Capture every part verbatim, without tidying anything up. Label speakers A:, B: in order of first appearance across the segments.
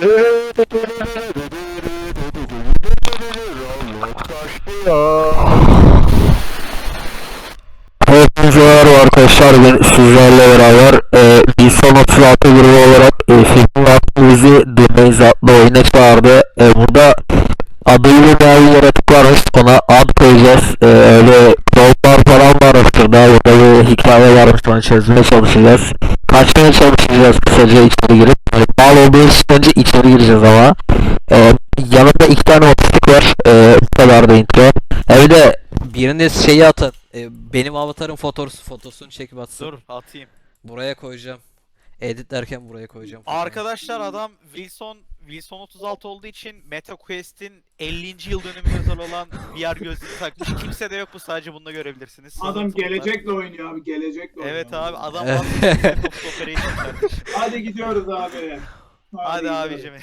A: Hepinize merhaba arkadaşlar, ben sizlerle beraber e, Nisan otuz altı grubu olarak e, film vaktimizi The Maze adlı oyuna çağırdı. E, burada adıyla bir yaratık varmış, ona ad koyacağız. E, öyle yollar falan var aslında, burada bir hikaye varmış, onu çözmeye çalışacağız. Kaçmaya çalışacağız kısaca içeri girip. Yani mal olduğumuz için önce içeri gireceğiz ama. E, yanımda iki tane otistik var, e, bu kadar da intro. Evde biriniz şeyi atın. E, benim avatarın fotosu, fotosunu çekip atsın.
B: Dur atayım.
A: Buraya koyacağım. Editlerken buraya koyacağım. fotoğrafı.
B: Arkadaşlar adam Wilson Wilson otuz altı olduğu için MetaQuest'in ellinci yıl dönümü özel olan V R gözlüğü takmış. Kimse de yok, bu sadece bunu da görebilrsiniz.
C: Adam
B: Sızıntılar.
C: gelecekle oynuyor abi, gelecekle oynuyor.
B: Evet abi, adam
A: Evet.
B: aslında Soft Operation kardeşim.
C: Hadi gidiyoruz abi.
B: Hadi
C: gidiyoruz.
B: abicim.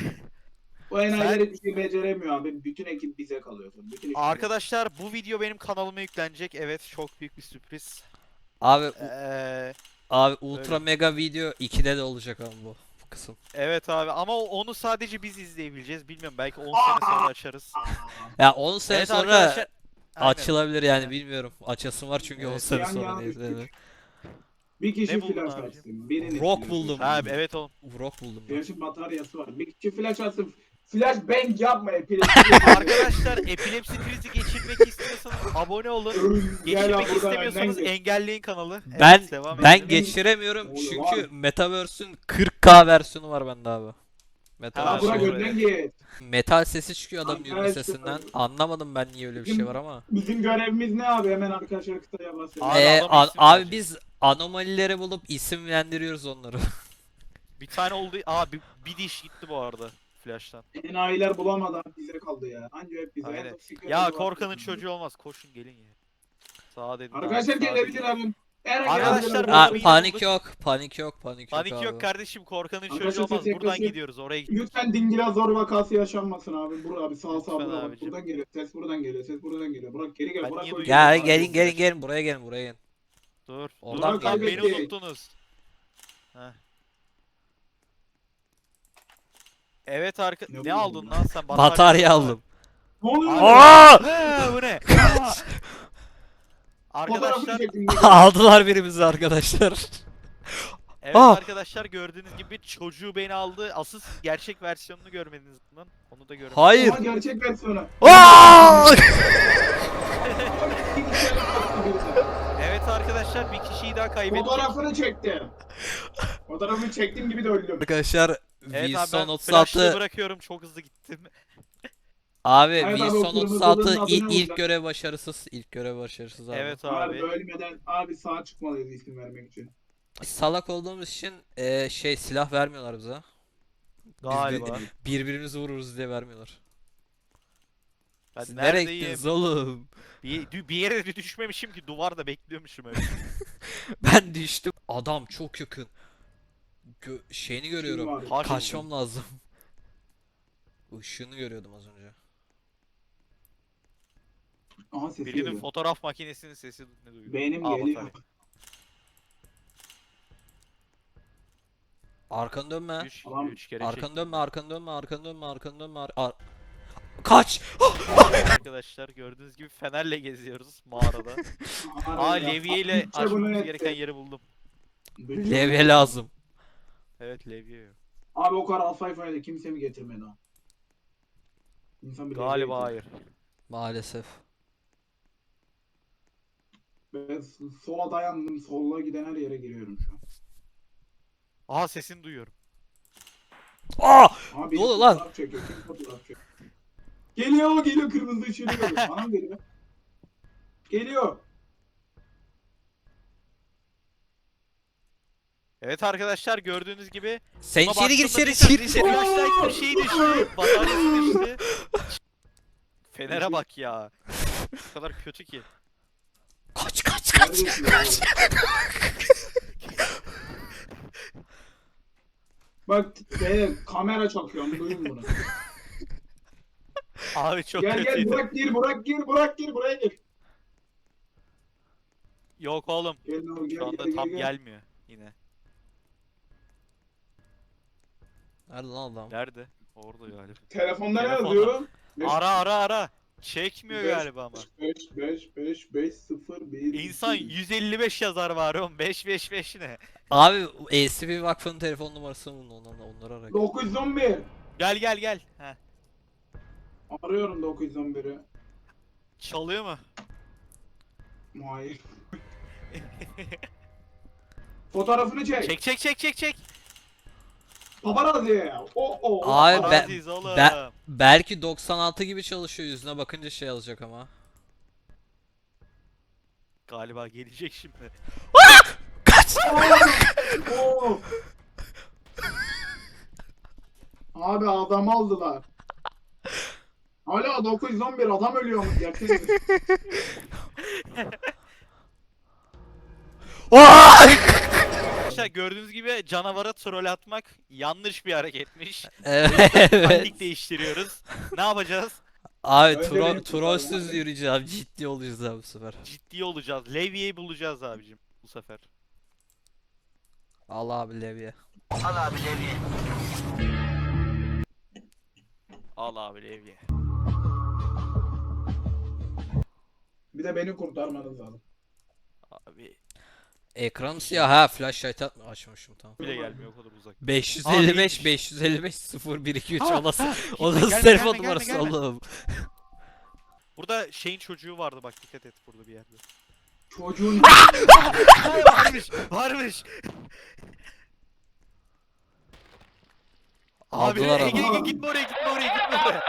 C: Bu enayiler hiçbir şey beceremiyor abi. Bütün ekip bize kalıyor. Bütün ekip
B: Arkadaşlar bu video benim kanalıma yüklenecek. Evet, çok büyük bir sürpriz.
A: Abi
B: Ee,
A: abi ultra
B: öyle.
A: mega video ikide de olacak ama bu, bu kısım.
B: evet abi, ama onu sadece biz izleyebileceğiz. Bilmiyorum, belki on sene sonra açarız.
A: Ya on sene
B: Evet
A: sonra
B: arkadaşlar. Aynen.
A: açılabilir yani,
B: Aynen.
A: bilmiyorum. Açasım var çünkü on
B: Evet.
A: sene
C: Yan
A: sonra
C: yana
A: neyse.
C: üç
A: Evet.
C: Bir kişi
B: Ne buldun
C: flash
B: abicim?
C: atsın. Biriniz
A: Rock
C: flash
A: buldum.
C: atsın.
B: Abi evet oğlum.
A: Rock buldum ben.
C: Flash'ın bataryası var. Bir kişi flash atsın. Flash bang yapma epilepsi.
B: Arkadaşlar epilepsi krizi geçirmek istiyorsanız abone olun.
C: Gel abi,
B: Geçirmek
C: buradan
B: istemiyorsanız
C: önden geç.
B: engelleyin kanalı.
A: Ben
B: Evet, devam
A: ben
B: edelim.
A: geçiremiyorum
C: Oğlum
A: çünkü
C: abi.
A: Metaverse'ün kırk K versiyonu var bende abi.
B: Ha,
C: Ha
A: Metaverse
C: bırak
B: doğru.
C: önden git.
A: metal sesi çıkıyor adamın yürüme
C: Arkadaşlar.
A: sesinden. Anlamadım ben niye öyle bir şey var ama.
C: Bizim görevimiz ne abi? Hemen arkadaşlar kıtaya bahsedelim.
B: Abi
A: Ee,
B: adam
A: a-
B: isim
A: abi
B: verecek.
A: biz anomalileri bulup isimlendiriyoruz onları.
B: Bir tane oldu. Aa bir, bir diş gitti bu arada flash'tan.
C: Enayiler bulamadan bize kaldı ya. Anca hep bize.
B: Aynen.
C: En çok secret
B: Ya
C: var.
B: korkanın çocuğu olmaz. Koşun gelin ya. Sağa dedim.
C: Arkadaşlar
B: abi, sağa
C: gelebilir
B: dedim.
C: abi. Eğer
B: Arkadaşlar,
C: geldiler,
A: Aa,
B: burada bir
A: panik
B: bulduk.
A: yok, panik yok, panik yok
B: Panik
A: abi.
B: yok kardeşim, korkanın çocuğu
C: Arkadaşlar,
B: olmaz.
C: ses
B: Buradan
C: yaklaşık.
B: gidiyoruz, oraya gidiyoruz.
C: Lütfen Dingilazor vakası yaşanmasın abi. Bur abi sağ sağ
B: Lütfen
C: bura bak.
B: abicim.
C: Buradan geliyor. Ses buradan geliyor. Ses buradan geliyor. Burak geri gel.
B: Ben
C: Burak
B: niye
C: koy.
B: duyuyorum?
A: Gel
B: Abi,
A: gelin gelin
B: flash.
A: gelin buraya gelin buraya gelin.
B: Dur.
A: Oradan
B: Dur lan, beni
C: kaybettik.
B: unuttunuz. Heh. Evet arka...
C: Ne
B: Ne,
C: buldun
B: aldın
C: lan?
B: lan sen?
A: Batarya
B: aldın.
A: aldım.
C: Ne oluyor?
B: Abi-
A: Aa!
B: He, bu ne?
C: Fotoğrafını
B: Arkadaşlar,
C: çektim.
A: Aldılar birimizi arkadaşlar.
B: evet
A: Aa!
B: arkadaşlar, gördüğünüz gibi çocuğu beni aldı. Asıl siz gerçek versiyonunu görmediniz bunun. Onu da görmediniz.
A: Hayır.
C: Ama gerçek versiyonu.
A: Aa!
B: Evet arkadaşlar, bir kişiyi daha kaybettik.
C: Fotoğrafını çektim. Fotoğrafını çektiğim gibi de öldüm.
A: Arkadaşlar
B: Evet abi,
A: Wilson
B: ben
A: otuz
B: flash'ı
A: altı
B: bırakıyorum, çok hızlı gittim.
A: abi
C: Evet abi, o
A: Wilson
C: kırmızı
A: otuz altı
C: odanın adı
A: ilk,
C: ne
A: ilk
C: olacak?
A: görev başarısız. İlk görev başarısız abi.
B: Evet
C: Abi
B: abi.
C: bölmeden abi sağa çıkmalıyız isim vermek için.
A: Salak olduğumuz için e, şey silah vermiyorlar bize. Biz
B: Galiba.
A: bir- birbirimizi vururuz diye vermiyorlar.
B: Ben
A: Siz nereye
B: neredeyim?
A: gittiniz oğlum?
B: Bir, bir yere de düşmemişim ki, duvarda bekliyormuşum öyle.
A: Ben düştüm. Adam çok yakın. Gö şeyini görüyorum.
C: Kim var?
B: Hakim.
A: Kaçmam lazım. Işığını görüyordum az önce.
C: Aha sesi
B: Birinin
C: geliyor.
B: fotoğraf makinesinin sesi ne duyuyor?
C: Benim
B: Aa,
C: geliyor.
B: batarya.
A: Arkanı dönme.
B: Üç,
C: Tamam.
B: üç kere
A: Arkanı
B: çektim.
A: dönme, arkanı dönme, arkanı dönme, arkanı dönme. Ar ar- Kaç!
B: Arkadaşlar, gördüğünüz gibi fenerle geziyoruz mağarada. Aa,
C: Harbi ya.
B: levye ile
C: Bütçe bunu
B: açmamız
C: etti.
B: gereken yeri buldum.
C: Bütçe
A: Levye
C: bunu-
A: lazım.
B: Evet, levye yok.
C: Abi o kadar alfayfayı da kimse mi getirmedi ha? İnsan bir levye
B: Galiba
C: getirir.
B: hayır.
A: Maalesef.
C: Ben s- sola dayandım. Sola giden her yere giriyorum şu an.
B: Aha, sesini duyuyorum.
A: Aa!
C: Abi
A: Ne oluyor lan?
C: fotoğraf çekiyor. Kim fotoğraf çekiyor? Geliyor geliyor kırmızı ışığını görüyor. Bana mı geliyor? Geliyor.
B: Evet arkadaşlar, gördüğünüz gibi
A: Sen
B: buna
A: içeri gir,
B: baktığımda
A: içeri
B: bir
A: içeri.
B: tane flashlight bir şey düştü. Bataryası düştü. Fener'e bak ya. Bu kadar kötü ki.
A: Kaç kaç kaç.
C: Neredesin ya? Bak be, kamera çakıyorum duyun bunu.
B: Abi çok
C: Gel gel
B: kötüydü.
C: Burak gir Burak gir Burak gir buraya gir.
B: Yok oğlum.
C: Gel lan, gel
B: Şu anda
C: gel,
B: tam
C: gel, gel.
B: gelmiyor yine.
A: Nerede lan adam?
B: Nerede? Orada galiba.
C: Telefonda ne
B: Telefonda.
C: yazıyor?
B: Ara ara ara. Çekmiyor
C: Beş-
B: galiba ama.
C: beş beş beş beş sıfır bir
B: İnsan yüz elli beş yazar var oğlum. beş beş beş ne?
D: Abi E S B Vakfı'nın telefon numarasını bulun onları, onları ara.
C: dokuz yüz on bir.
B: Gel gel gel. Heh.
C: Arıyorum dokuz yüz on biri.
B: Çalıyor mu?
C: Hayır. Fotoğrafını çek.
B: Çek çek çek çek çek.
C: Paparazzi. O o.
D: Abi ben-
B: Aziz oğlum.
D: ben- Belki doksan altı gibi çalışıyor, yüzüne bakınca şey alacak ama.
B: Galiba gelecek şimdi.
C: Oo. Abi adam aldılar. Hala dokuz yüz on bir adam ölüyormuş gerçekten.
B: Arkadaşlar gördüğünüz gibi canavara troll atmak yanlış bir hareketmiş.
D: Evet.
B: Taktik değiştiriyoruz. Ne yapacağız?
D: Abi
C: Önce
D: tro
C: benim
D: trollsüz
C: kurtarmam
D: yürüyeceğim, ciddi olacağız abi bu sefer.
B: Ciddi olacağız. Levy'yi bulacağız abicim bu sefer.
D: Allah abi Levye.
B: Al abi Levye.
C: Bir de beni kurtarmanız lazım.
B: Abi
D: Ekranım siyah ha, flashlight atma açmışım tamam.
B: bile gelmiyor o kadar uzak.
D: beş yüz
B: Abi
D: elli
B: iyiymiş.
D: beş beş yüz elli beş sıfır bir iki üç
B: Ha,
D: o nasıl
B: ha,
D: o
B: gitme,
D: nasıl
B: gelme,
D: telefon
B: gelme,
D: numarası
B: gelme, gelme.
D: oğlum?
B: Burada şeyin çocuğu vardı bak dikkat et burada bir yerde.
C: Çocuğun
B: varmış varmış. Abi
D: Aldılar
B: Ege,
D: ama.
B: Ege gitme oraya gitme oraya gitme oraya.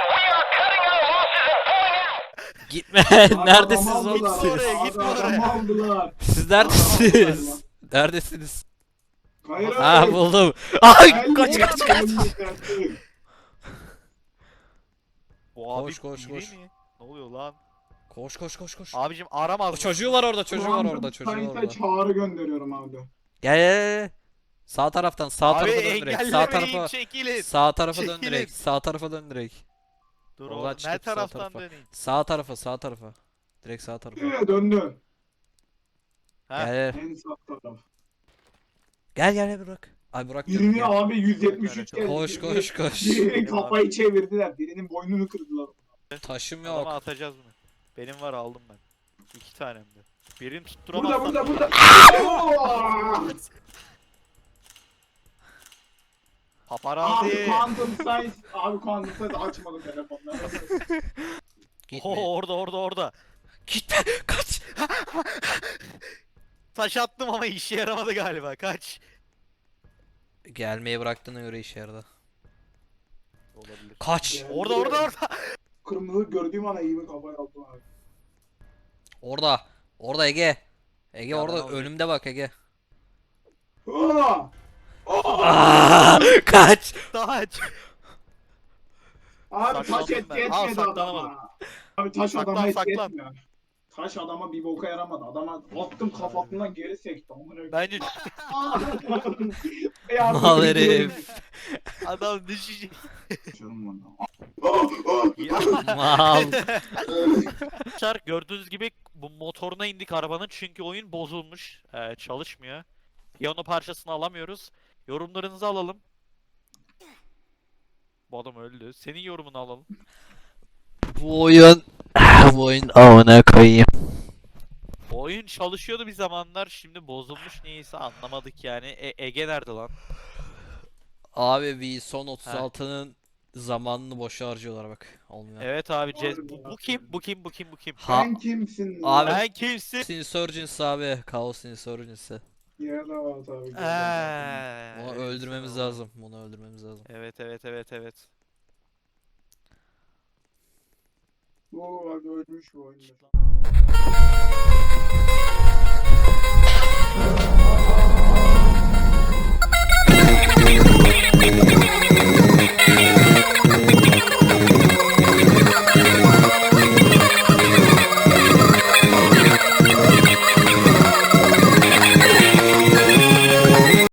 D: Gitme
C: Adamı
D: neredesiniz
C: aldılar.
D: oğlum
B: Gitme oraya,
D: siz?
B: gitme
C: Abi
B: oraya.
C: adamı aldılar.
D: Siz neredesiniz? Neredesiniz?
C: Hayır
D: Ha
C: hayır.
D: buldum. Ay
C: Geldi.
D: kaç kaç kaç.
B: Bu abi
D: Koş, koş,
B: biri
D: koş.
B: mi? Ne oluyor lan?
D: Koş koş koş koş.
B: Abicim aramaz
D: O
B: mısın?
D: çocuğu var orada, çocuğu var
C: Quantum
D: orada, çocuğu var
C: Science'a
D: orada.
C: çağrı gönderiyorum abi.
D: Gel gel gel. Sağ taraftan, sağ
B: Abi
D: tarafa dön direkt. Sağ
B: engellemeyin
D: tarafa.
B: çekilin.
D: Sağ tarafa dön
B: Çekilin.
D: direkt. Sağ tarafa dön direkt.
B: Dur
D: Oradan
B: oğlum ne
D: çıkıp sağ
B: taraftan
D: tarafa.
B: döneyim?
D: Sağ tarafa, sağ tarafa. Direkt sağ tarafa.
C: Ee, döndü.
B: Ha?
D: Gel gel.
C: En sağ taraf.
D: Gel gel gel Burak. Ay Burak canım
C: Birini
D: gel.
C: abi yüz yetmiş üç geldi.
D: Koş koş koş.
C: Birinin kafayı çevirdiler. Birinin boynunu kırdılar.
D: Taşım
B: Adama
D: yok.
B: atacağız bunu. Benim var aldım ben. İki tanem de. Birini
C: Burada
B: tutturamazsam.
C: burada burada. Oo!
B: Paparazzi.
C: Abi Quantum Science. Abi Quantum Science açmadı telefonları.
D: Gitme.
B: Oo, orada orada orada.
D: Gitme. Kaç.
B: Taş attım ama işe yaramadı galiba. Kaç.
D: Gelmeyi bıraktığına göre işe yaradı.
B: Olabilir.
D: Kaç.
C: Geldi.
B: Orada orada orada.
C: Kırmızı gördüğüm an eğimi kafaya aldım abi.
D: Orada. Orada Ege. Ege
B: Ya ben
D: orada
B: alacağım.
D: önümde bak Ege.
C: Aa!
D: Aa, kaç.
B: Taç.
C: Abi taş
B: Saklandım
C: etki
B: ben. Aa,
C: etmedi
B: saklanamadım.
C: adama. Abi taş
B: Saklan,
C: adama etki
B: saklan.
C: etmiyor. Taş adama bir boka yaramadı. Adama attım kafasından geri sekti. Amına koyayım.
B: Bence
C: Yardım
D: Mal
C: ediyorum.
D: herif.
B: adam düşecek.
C: Canım bana.
D: Mal.
B: Arkadaşlar gördüğünüz gibi bu motoruna indik arabanın çünkü oyun bozulmuş. Ee, çalışmıyor. Piyano parçasını alamıyoruz. Yorumlarınızı alalım. Bu adam öldü. Senin yorumunu alalım.
A: Bu oyun bu oyun amına koyayım.
B: Bu oyun çalışıyordu bir zamanlar. Şimdi bozulmuş neyse anlamadık yani. E Ege nerede lan?
D: Abi bir son otuz altının zamanını boşa harcıyorlar bak. Olmuyor.
B: Evet abi.
C: Harbi
B: Cez- bu, bu
C: bak.
B: kim? Bu kim? Bu kim? Bu kim?
D: Ha-
C: Sen kimsin?
D: Abi-
B: Ben kimsin?
D: Insurgents abi. Chaos Insurgency.
C: Yerde var tabii.
B: Eee,
D: Onu
B: evet,
D: öldürmemiz
B: tamam.
D: lazım. Bunu öldürmemiz lazım.
B: Evet evet evet evet.
C: Bu bak ölmüş bu oyunda.